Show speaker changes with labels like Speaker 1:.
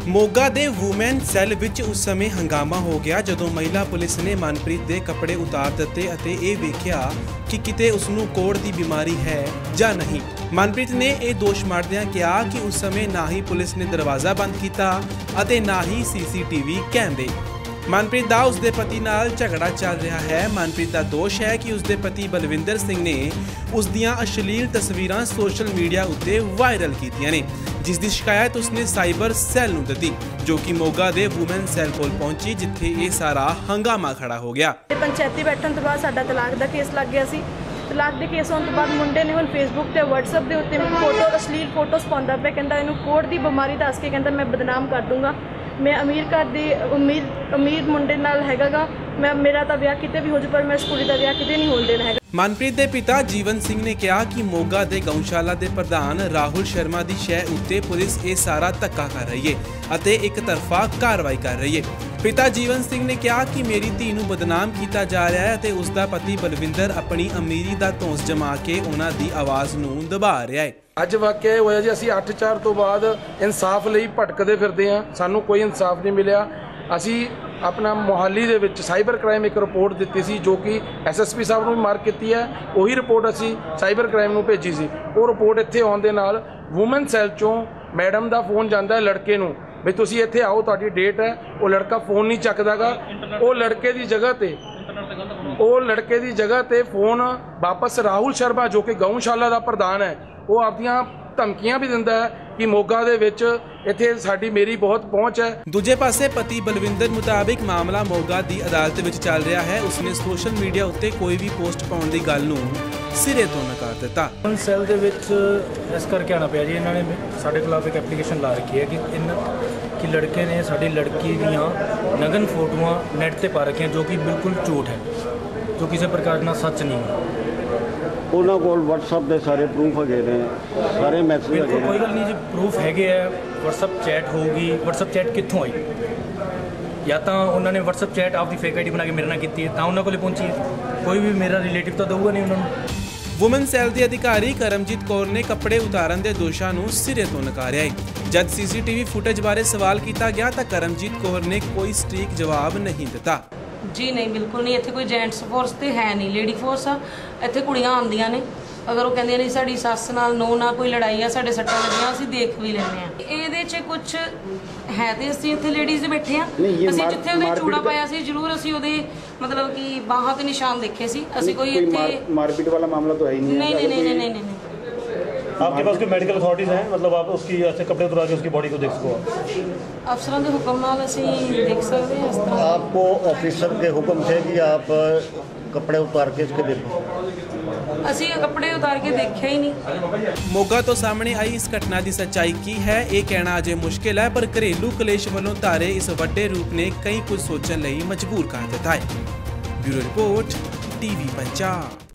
Speaker 1: मोगा दे women cell विच उस समय हंगामा हो गया जदों महिला पुलिस ने मनप्रीत दे कपड़े उतार दिते अते ये वेख्या कि किते उसनूं कोड़ दी बीमारी है जां नहीं। मनप्रीत ने यह दोष मारदिआं कहा कि उस समय ना ही पुलिस ने दरवाज़ा बंद किया अते ना ही CCTV कैमरे। मनप्रीत दा उसदे पति नाल झगड़ा चल रहा है। मनप्रीत दा दोष है कि उसदे पति बलविंदर सिंह ने उस दियां अश्लील तस्वीरां सोशल मीडिया उत्ते वायरल कीतियां ने, जिस दी शिकायत उसने साइबर सैल नूं दित्ती, जो कि मोगा दे वूमेन सैल कोल पहुंची, जिथे ये सारा हंगामा खड़ा हो गया।
Speaker 2: पंचायती बैठण तो बाद साडा तलाक दा केस लग गया सी। तलाक के केस होने तो बाद मुंडे ने हुण फेसबुक ते व्हाट्सएप के उत्ते फोटो अश्लील फोटोस पाउंदा पिया, कहंदा इहनूं कोड़ दी बीमारी दस के कहंदा मैं बदनाम कर दूंगा, मैं अमीर घर दी अमीर मुंडे नाल हैगा, मैं मेरा तो ब्याह किते भी हो जाए पर मैं इस कुड़ी दा ब्याह किते नहीं होण देना है।
Speaker 1: मनप्रीत दे पिता जीवन सिंह ने कहा कि मोगा दे गौशाला दे प्रधान राहुल शर्मा दी शह उत्ते पुलिस ये सारा धक्का कर रही है अते एक तरफा कार्रवाई कर रही है। पिता जीवन सिंह ने कहा कि मेरी धी नूं बदनाम किया जा रहा है अते उसका पति बलविंदर अपनी अमीरी का धौंस जमा के उन्हां दी आवाज़ नूं दबा रहा है।
Speaker 3: ਅੱਜ ਵਾਕਿਆ ਇਹ ਹੋਇਆ ਜੀ, ਅਸੀਂ 8/4 ਤੋਂ ਬਾਅਦ ਇਨਸਾਫ ਲਈ ਭਟਕਦੇ ਫਿਰਦੇ ਹਾਂ, ਸਾਨੂੰ ਕੋਈ ਇਨਸਾਫ ਨਹੀਂ ਮਿਲਿਆ। ਅਸੀਂ ਆਪਣਾ ਮੁਹਾਲੀ ਦੇ ਵਿੱਚ ਸਾਈਬਰ ਕ੍ਰਾਈਮ ਇੱਕ ਰਿਪੋਰਟ ਦਿੱਤੀ ਸੀ, ਜੋ ਕਿ SSP ਸਾਹਿਬ ਨੂੰ ਵੀ ਮਾਰਕ ਕੀਤੀ ਹੈ। ਉਹੀ ਰਿਪੋਰਟ ਅਸੀਂ ਸਾਈਬਰ ਕ੍ਰਾਈਮ ਨੂੰ ਭੇਜੀ ਸੀ। ਉਹ ਰਿਪੋਰਟ ਇੱਥੇ ਆਉਣ ਦੇ ਨਾਲ ਵੂਮਨ ਸੈਲ ਚੋਂ ਮੈਡਮ ਦਾ ਫੋਨ ਜਾਂਦਾ ਹੈ ਲੜਕੇ ਨੂੰ ਵੀ ਤੁਸੀਂ ਇੱਥੇ ਆਓ, ਤੁਹਾਡੀ ਡੇਟ ਹੈ। ਉਹ ਲੜਕਾ ਫੋਨ ਨਹੀਂ ਚੱਕਦਾਗਾ। ਉਹ ਲੜਕੇ ਦੀ ਜਗ੍ਹਾ ਤੇ ਫੋਨ ਵਾਪਸ ਰਾਹੁਲ ਸ਼ਰਮਾ, ਜੋ ਕਿ ਗਊਸ਼ਾਲਾ ਦਾ ਪ੍ਰਧਾਨ ਹੈ, ਉਹ ਆਪਦੀਆਂ ਧਮਕੀਆਂ भी ਦਿੰਦਾ ਹੈ कि मोगा दे विच इत्थे साडी मेरी बहुत पहुँच है।
Speaker 1: दूजे पासे पति बलविंदर मुताबिक मामला मोगा दी अदालत विच चल रहा है। उसने सोशल मीडिया उत्ते कोई भी पोस्ट पाउण दी गल नूं सिरे तो नकार दिता।
Speaker 4: सैल दे विच इस करके आना पिया जी, इन्होंने साडे खिलाफ एक एप्लीकेशन ला रखी है कि लड़के ने साडी लड़की दियां नगन फोटोआं नैट ते पा रखियां, जो कि बिल्कुल झूठ है, जो किसी प्रकार का सच नहीं है।
Speaker 5: ਉਹਨਾਂ ਕੋਲ WhatsApp ਦੇ ਸਾਰੇ ਪ੍ਰੂਫ ਹੈਗੇ ਨੇ, ਸਾਰੇ ਮੈਸੇਜ ਹੈਗੇ ਨੇ।
Speaker 4: ਕੋਈ ਗੱਲ ਨਹੀਂ ਜੀ, ਪ੍ਰੂਫ ਹੈਗੇ ਆ। WhatsApp ਚੈਟ ਹੋਊਗੀ। WhatsApp ਚੈਟ ਕਿੱਥੋਂ ਆਈ? ਜਾਂ ਤਾਂ ਉਹਨਾਂ ਨੇ WhatsApp ਚੈਟ ਆਪਦੀ ਫੇਕ ਆਈਡੀ ਬਣਾ ਕੇ ਮੇਰੇ ਨਾਲ ਕੀਤੀ ਹੈ ਤਾਂ ਉਹਨਾਂ ਕੋਲੇ ਪਹੁੰਚੀ ਹੈ। ਕੋਈ ਵੀ ਮੇਰਾ ਰਿਲੇਟਿਵ ਤਾਂ ਦਊਗਾ ਨਹੀਂ ਉਹਨਾਂ ਨੂੰ।
Speaker 1: ਵੂਮਨ ਸੈਲ ਦੀ ਅਧਿਕਾਰੀ ਕਰਮਜੀਤ ਕੌਰ ਨੇ ਕੱਪੜੇ ਉਤਾਰਨ ਦੇ ਦੋਸ਼ਾਂ ਨੂੰ ਸਿਰੇ ਤੋਂ ਨਕਾਰਿਆ ਹੈ। ਜਦ CCTV ਫੁਟੇਜ ਬਾਰੇ ਸਵਾਲ ਕੀਤਾ ਗਿਆ ਤਾਂ ਕਰਮਜੀਤ ਕੌਰ ਨੇ ਕੋਈ ਸਟੀਕ ਜਵਾਬ ਨਹੀਂ ਦਿੱਤਾ।
Speaker 6: जी नहीं, बिल्कुल नहीं। इत्थे कोई जेंट्स फोर्स तो है नहीं, लेडी फोर्स आ। इत्थे कुड़ियां आंदियां ने, अगर वो कहंदियां नहीं साडी सस नाल नो ना कोई लड़ाई आ, साडे सट्टां लगियां, असीं देख भी लैंदे आ। इहदे च कुछ है ते असीं इत्थे लेडीज़ बैठे आ, असीं जिथे उहदे चूड़ा पाया सी जरूर असीं उहदे मतलब कि बाहां ते निशान देखे सी। असीं कोई इत्थे
Speaker 5: मारपीट वाला मामला तो है ही नहीं।
Speaker 6: नहीं।
Speaker 7: आपके पास कोई मेडिकल अथॉरिटीज हैं, मतलब आप उसकी ऐसे कपड़े उतरा के उसकी बॉडी को देख सको?
Speaker 6: अफसरों के हुक्म नाल असीं देख सकते हैं। इस तरह
Speaker 5: आपको ऑफिसर के हुक्म थे कि आप कपड़े उतार के इसके देखो?
Speaker 6: असीं कपड़े उतार के देखे ही नहीं।
Speaker 1: मोगा तो सामने आई इस घटना की सच्चाई की है ये कहना अजे मुश्किल है, पर घरेलू कलेश वालों धारे इस वड्डे रूप ने कई कुछ सोचने लई मजबूर कर दिता है। Bureau report TV Punjab.